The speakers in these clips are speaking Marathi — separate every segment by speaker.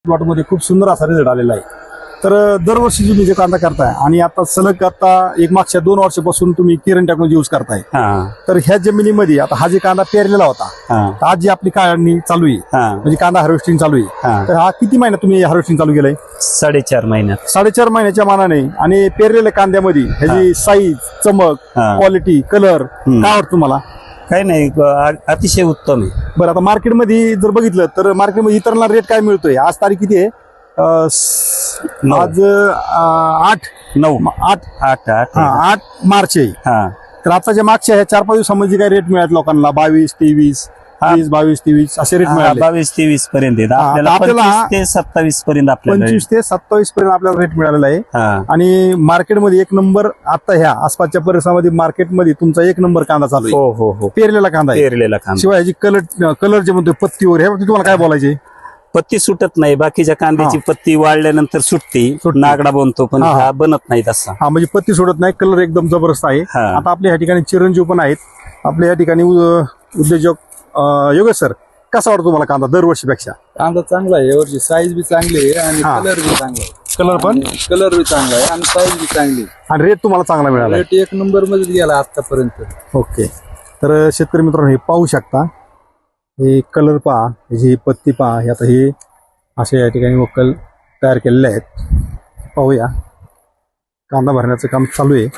Speaker 1: प्लॉटमध्ये खूप सुंदर असा रिझल्ट आलेला आहे. तर दरवर्षी तुम्ही जे कांदा करताय आणि आता सलग आता एक मागच्या 2 वर्षापासून तुम्ही किरण टेक्नॉलॉजी यूज करताय. तर ह्या जमिनीमध्ये आता हा जे कांदा पेरलेला होता, तर आज जी आपली काढणी चालू आहे, म्हणजे कांदा हार्वेस्टिंग चालू आहे, तर हा किती महिन्यात तुम्ही हार्वेस्टिंग चालू केलंय?
Speaker 2: 4.5 महिन्यात.
Speaker 1: 4.5 महिन्याच्या मानाने आणि पेरलेल्या कांद्यामध्ये ह्याची साईज, चमक, क्वालिटी, कलर काय वाटतं तुम्हाला?
Speaker 2: काही नाही, अतिशय उत्तम आहे.
Speaker 1: बरं, आता मार्केटमध्ये जर बघितलं तर मार्केटमध्ये इतरांना रेट काय मिळतोय? आज तारीख किती आहे? आज 8 मार्च आहे. तर आताच्या मागच्या ह्या 4-5 दिवसांमध्ये काय रेट मिळाले लोकांना? 22, 23, 22, 23 असे रेट मिळाले.
Speaker 2: 22-23 पर्यंत आपल्याला 25 ते 27 पर्यंत,
Speaker 1: 25 ते 27 पर्यंत आपल्याला रेट मिळालेला आहे. आणि मार्केटमध्ये एक नंबर आता ह्या आसपासच्या परिसरामध्ये मार्केटमध्ये तुमचा एक नंबर कांदा चालू आहे.
Speaker 2: हो,
Speaker 1: पेरलेला कांदा आहे.
Speaker 2: पेरलेला कांदा.
Speaker 1: शिवाय ह्याची कलर जे म्हणतो पत्ती वगैरे, ह्या तुम्हाला काय बोलायचे?
Speaker 2: पत्ती सुटत नाही. बाकीच्या कांद्याची पत्ती वाळल्यानंतर सुटते, नागडा बनतो, पण हा बनत नाही तसा.
Speaker 1: म्हणजे पत्ती सोडत नाही, कलर एकदम जबरदस्त आहे. आता आपल्या या ठिकाणी चिरंजीव पण आहेत. आपल्या या ठिकाणी उद्योजक योगेश सर, कसा वाटतो तुम्हाला कांदा दरवर्षीपेक्षा?
Speaker 3: कांदा चांगला आहे यावर्षी, साईज बी चांगली आहे आणि कलर बी चांगला आहे. कलर बी चांगला आहे आणि साईज बी चांगली आहे.
Speaker 1: आणि रेट तुम्हाला चांगला मिळाला?
Speaker 3: रेट एक नंबर मध्ये गेला आतापर्यंत.
Speaker 1: ओके. तर शेतकरी मित्रांनो, हे पाहू शकता, हे कलर पहा, ही पत्ती पहा, हे आता हे असे या ठिकाणी वक्कल तयार केलेले आहेत. पाहूया, कांदा भरण्याचं काम चालू आहे.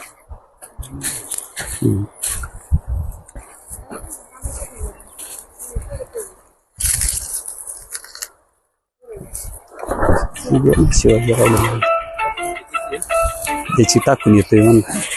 Speaker 2: त्याची टाकून येतोय म्हणून.